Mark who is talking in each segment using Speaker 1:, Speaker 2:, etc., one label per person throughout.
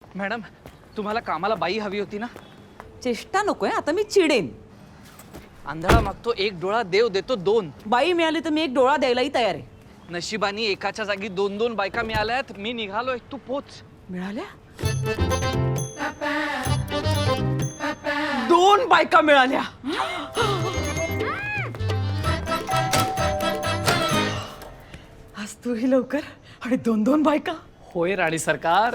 Speaker 1: Madam तुम्हाला कामाला बाई हवी होती ना?
Speaker 2: चेष्टा नकोय, आता मी चिडेन.
Speaker 1: आंधळा मागतो एक डोळा, देव देतो दोन.
Speaker 2: बाई मिळाली तर मी एक डोळा द्यायलाही तयार आहे.
Speaker 1: नशिबानी एकाच्या जागी दोन दोन बायका मिळाल्यात. मी निघालोय, तू पोच.
Speaker 2: मिळाल्या? 2 बायका मिळाल्या. आज तूही लवकर आणि 2 बायका.
Speaker 1: होय राणी सरकार.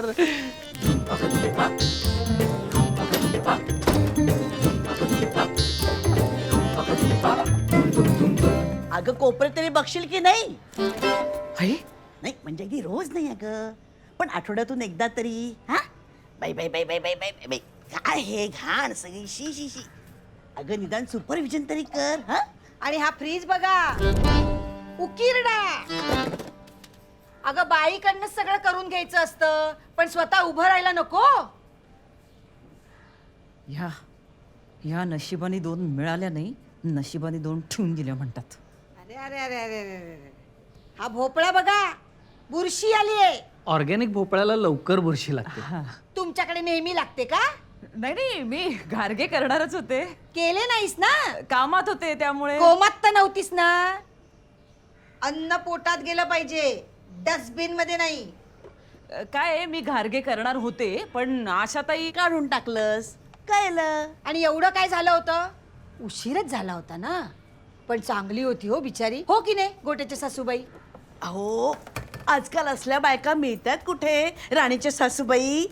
Speaker 3: अगं कोपरे तरी बघशील की नाही?
Speaker 2: आई
Speaker 3: नाही म्हणजे अगदी रोज नाही अगं, पण आठवड्यातून एकदा तरी. हा बाई बाई बाई बाई बाई बाई बाई बाई, काय हे घाण सगळी, शी शी शी. अगं निदान सुपरविजन तरी कर. हा
Speaker 4: आणि हा फ्रीज बघा, उकिरडा. अगं बाईकडनं सगळं करून घ्यायचं असतं, पण स्वतः उभं राहायला नको.
Speaker 2: या नशिबाने 2 मिळाल्या नाही, नशिबाने 2 ठेवून दिल्या म्हणतात.
Speaker 4: अरे अरे अरे अरे अरे अरे. हा भोपळा बघा, बुरशी आलीये.
Speaker 1: ऑर्गॅनिक भोपळ्याला लवकर बुरशी लागते.
Speaker 4: तुमच्याकडे नेहमी लागते का?
Speaker 2: नाही मी गारगे करणारच होते,
Speaker 4: केले नाहीस ना?
Speaker 2: कामात होते त्यामुळे.
Speaker 4: कोमात तर नव्हतीस ना? अन्न पोटात गेलं पाहिजे, डस्टबिन मध्ये नाही.
Speaker 2: काय आहे, मी घारगे करणार होते पण आशाताई
Speaker 3: काढून टाकलंस, कळलं.
Speaker 4: आणि एवढं काय झालं होतं? उशीरच झाला होता ना, पण चांगली होती हो बिचारी, हो की नाही गोट्याच्या सासूबाई?
Speaker 3: अहो आजकाल असल्या बायका मिळतात कुठे, राणीच्या सासूबाई.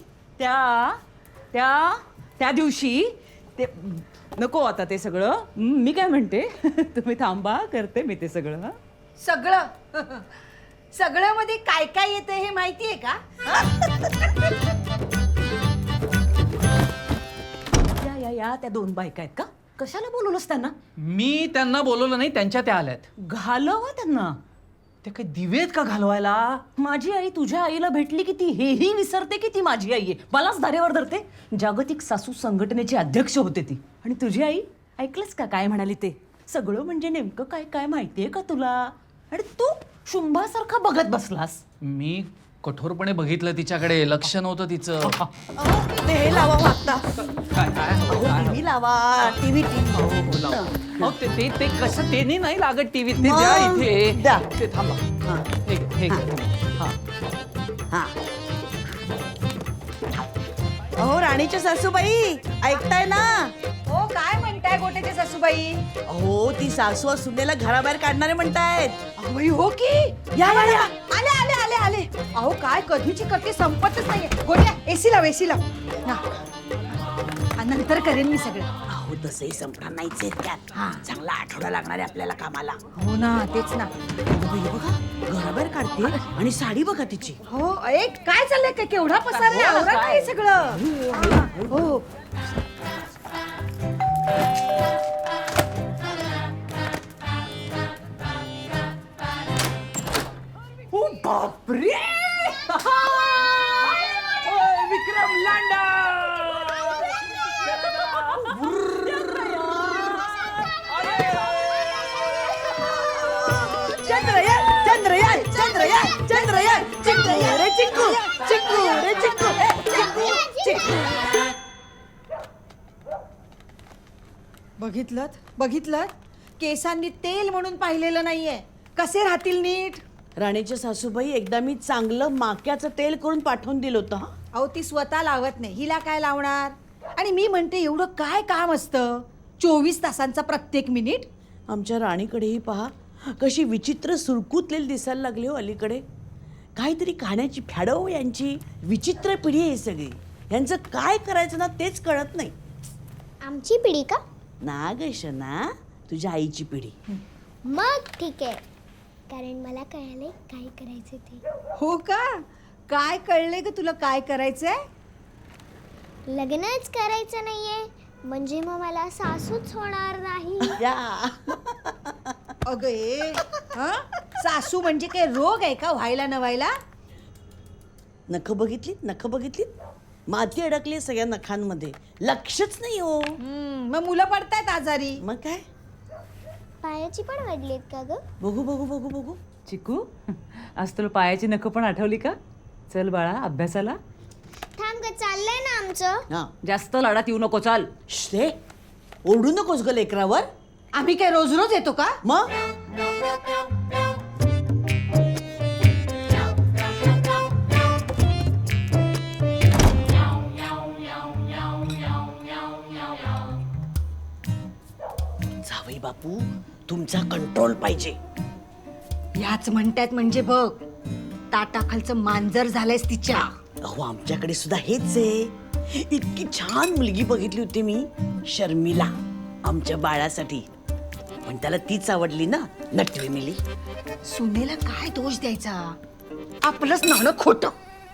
Speaker 2: त्या दिवशी ते नको आता ते सगळं. मी काय म्हणते, तुम्ही थांबा, करते मी ते सगळं. हं?
Speaker 4: सगळं सगळं मध्ये काय काय येते हे माहितीये का?
Speaker 2: या त्या 2 बायका आहेत का? कशाला बोलवलंस त्यांना?
Speaker 1: मी त्यांना बोलवलं नाही, त्यांच्या त्या आल्यात.
Speaker 2: घालवा त्यांना.
Speaker 1: ते काही दिवेत का घालवायला?
Speaker 2: माझी आई तुझ्या आईला भेटली की ती हेही विसरते की ती माझी आई आहे, मलाच धारेवर धरते. जागतिक सासू संघटनेची अध्यक्ष होते ती. आणि तुझी आई ऐकलंस का काय म्हणाली ते? सगळं म्हणजे नेमकं काय काय माहितीये का तुला? आणि तू शुंभासारखा बघत बसलास.
Speaker 1: मी कठोरपणे बघितलं तिच्याकडे, लक्ष नव्हतं तिचं.
Speaker 3: अहो, ते हे लावा वागता.
Speaker 1: काय काय
Speaker 3: टीव्ही लावा, टीव्ही
Speaker 1: अहो, ते कसं ते नाही लागत टीव्ही. ते द्या इथे.
Speaker 3: द्या.
Speaker 1: ते थांबा. हे घे.
Speaker 3: हा. अहो राणीच्या सासूबाई, ऐकताय ना?
Speaker 4: हो काय म्हणताय गोट्याच्या सासूबाई?
Speaker 3: अहो ती सासू सुनेला घराबाहेर काढणारे म्हणतायत.
Speaker 4: अहो हो की.
Speaker 3: या या या.
Speaker 4: आले आले आले आले. अहो काय कधीची कटी संपतच नाहीये. गोट्या एसी लाव, एसी लाव. ना. आणि नंतर करेन मी सगळं.
Speaker 3: अहो तसंही संपणार नाहीच आहेत त्यात. चांगला आठवडा लागणार आहे आपल्याला कामाला.
Speaker 4: हो ना, तेच ना.
Speaker 3: हे बघा घराबाहेर काढते आणि साडी बघा तिची.
Speaker 4: हो एक काय चाललंय का, केवढा पसार आहे, आवरा काय हे सगळं. हो
Speaker 2: ओ बापरे! विक्रम लांडा!
Speaker 3: चंद्रयान चंद्रयान चंद्रयान चंद्रयान चिक्कू रे चिक्कू चिक्कू रे चिक्कू चिक्कू चिक्कू.
Speaker 4: बघितलं केसांनी तेल म्हणून पाहिलेलं नाहीये. कसे राहतील नीट?
Speaker 3: राणीच्या सासूबाई एकदा मी चांगलं माक्याचं तेल करून पाठवून दिलं होतं. हा
Speaker 4: अहो ती स्वतः लावत नाही, हिला काय लावणार? आणि मी म्हणते एवढं काय काम असतं 24 तासांचा प्रत्येक मिनिट?
Speaker 3: आमच्या राणीकडेही पहा कशी विचित्र सुरकुतलेली दिसायला लागली हो अलीकडे. काहीतरी खाण्याची फॅडो यांची. विचित्र पिढी आहे सगळी. यांचं काय करायचं ना तेच कळत नाही.
Speaker 5: आमची पिढी का?
Speaker 3: ना ग शना, तुझ्या आईची पिढी.
Speaker 5: मग ठीक आहे, कारण मला कळालंय काय करायचं ते.
Speaker 4: हो का? काय कळले ग तुला काय करायचंय?
Speaker 5: लग्नच करायचं नाहीये म्हणजे मग मला सासूच होणार नाही.
Speaker 3: या
Speaker 4: अगं ए, हं? सासू म्हणजे काय रोग आहे का व्हायला न व्हायला?
Speaker 3: नखं बघितलीत, नखं बघितलीत. माती अडकली सगळ्या नखांमध्ये, लक्षच नाही हो.
Speaker 4: मग मुलं पडतायत आजारी.
Speaker 3: मग काय?
Speaker 5: पायाची पण वाढलीत का ग?
Speaker 3: बघू बघू बघू बघू.
Speaker 2: चिकू, आज तुला पायाची नखं पण आठवली का? चल बाळा अभ्यासाला.
Speaker 5: थांब थांब ग, चाललंय ना आमचं.
Speaker 3: हा
Speaker 2: जास्त लाडात येऊ नको, चाल.
Speaker 3: श्रे ओरडू नकोस ग लेकरावर.
Speaker 4: आम्ही काय रोज रोज येतो का?
Speaker 3: मग जावई बापू तुमचा कंट्रोल पाहिजे.
Speaker 4: याच म्हणतात म्हणजे बघ, ताटाखालचं मांजर झालंयस तिच्या.
Speaker 3: अहो आमच्याकडे सुद्धा हेच आहे. इतकी छान मुलगी बघितली होती मी, शर्मिला, आमच्या बाळासाठी. पण त्याला तीच आवडली ना, नटवी मिली.
Speaker 4: सुनेला काय दोष द्यायचा? आपलंच नाणं खोटं.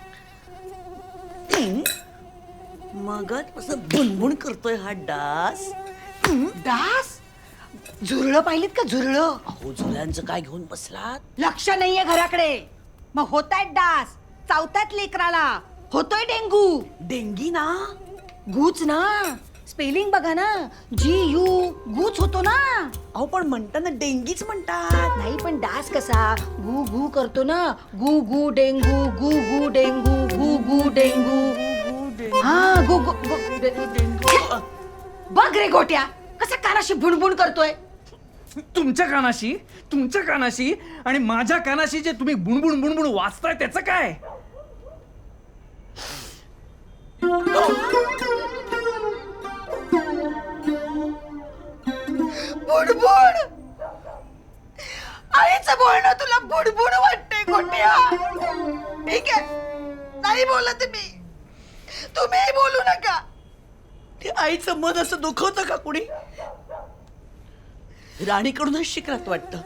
Speaker 3: मग असं बुणबुण करतोय हा डास.
Speaker 4: दास झुरळं पाहिलीत का? झुरळं
Speaker 3: अहो झुल्यांचं काय घेऊन बसलात?
Speaker 4: लक्ष नाहीये घराकडे. मग होतायत डास, चावतायत लेकराला, होतोय डेंगू.
Speaker 3: डेंगी ना.
Speaker 4: गूच ना, स्पेलिंग बघा ना, GU गूच होतो ना.
Speaker 3: अहो पण म्हणताना डेंगीच म्हणतात.
Speaker 4: नाही पण डास कसा गू गू करतो ना, गू गू डेंगू, गू गू डेंगू, गू गू डेंगू. हा गू गू डेंगू. बघ रे गोट्या, कसा कानाशी बुणबुण करतोय.
Speaker 1: तुमच्या कानाशी आणि माझ्या कानाशी जे तुम्ही बुणबुण बुणबुण वाचताय त्याचं काय?
Speaker 4: बुडबुड. आईचं बोलणं तुला बुडबुड वाटतंय गोट्या. ठीक आहे, नाही बोलत मी, तुम्ही बोलू नका.
Speaker 3: ते आईचं मन असं दुखवतं का कुणी? राणीकडूनच शिकरात वाटतं.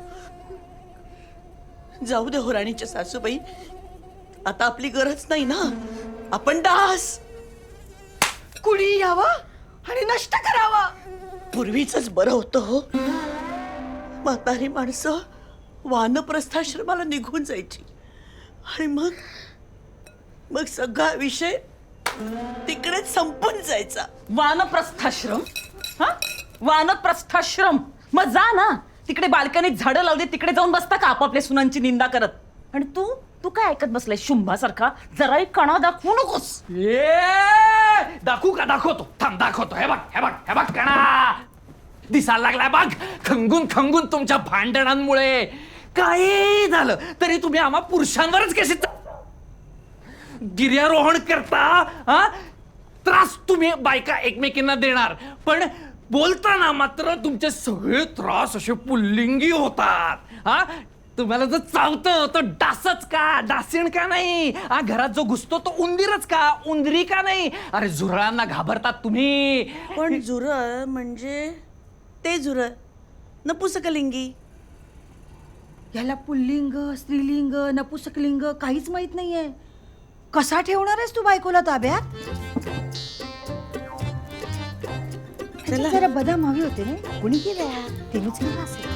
Speaker 3: जाऊ दे हो राणीच्या सासूबाई, आता आपली गरज नाही ना. आपण डास
Speaker 4: कुणी यावं आणि नष्ट करावं.
Speaker 3: पूर्वीच बरं होतं हो. म्हातारी माणसं वानप्रस्थाश्रमाला निघून जायची आणि मग सगळा विषय तिकडेच संपून जायचा.
Speaker 2: वानप्रस्थाश्रम? हा, वानप्रस्थाश्रम. मग जा ना, तिकडे बाल्कनीत झाडं लावली, तिकडे जाऊन बसता का आपापल्या सुनांची निंदा करत? आणि तू काय ऐकत बसलाय शुंभासारखा? जराही कणा दाखवू नकोस.
Speaker 1: दाखवू का? दाखवतो, थांब दाखवतो. हे बघ कणा दिसायला लागलाय बघ. खंगून तुमच्या भांडणांमुळे काही झालं तरी तुम्ही आम्हा पुरुषांवरच कसे गिर्यारोहण करता. हा, त्रास तुम्ही बायका एकमेकींना देणार, पण बोलताना मात्र तुमचे सगळे त्रास असे पुल्लिंगी होतात. हा, तुम्हाला जर चावतं तर डासच का, डासीण का नाही? हा, घरात जो घुसतो तो उंदीरच का, उंदरी का नाही? अरे झुरळांना घाबरतात तुम्ही.
Speaker 3: पण झुरळ म्हणजे ते झुरळ नपुसकलिंगी.
Speaker 4: याला पुल्लिंग, स्त्रीलिंग, नपुसकलिंग काहीच माहित नाहीये. कसा ठेवणार आहेस तू बायकोला ताब्यात? जरा बदाम हवे होते ना, कुणी केलं? तिनेच केलं असेल.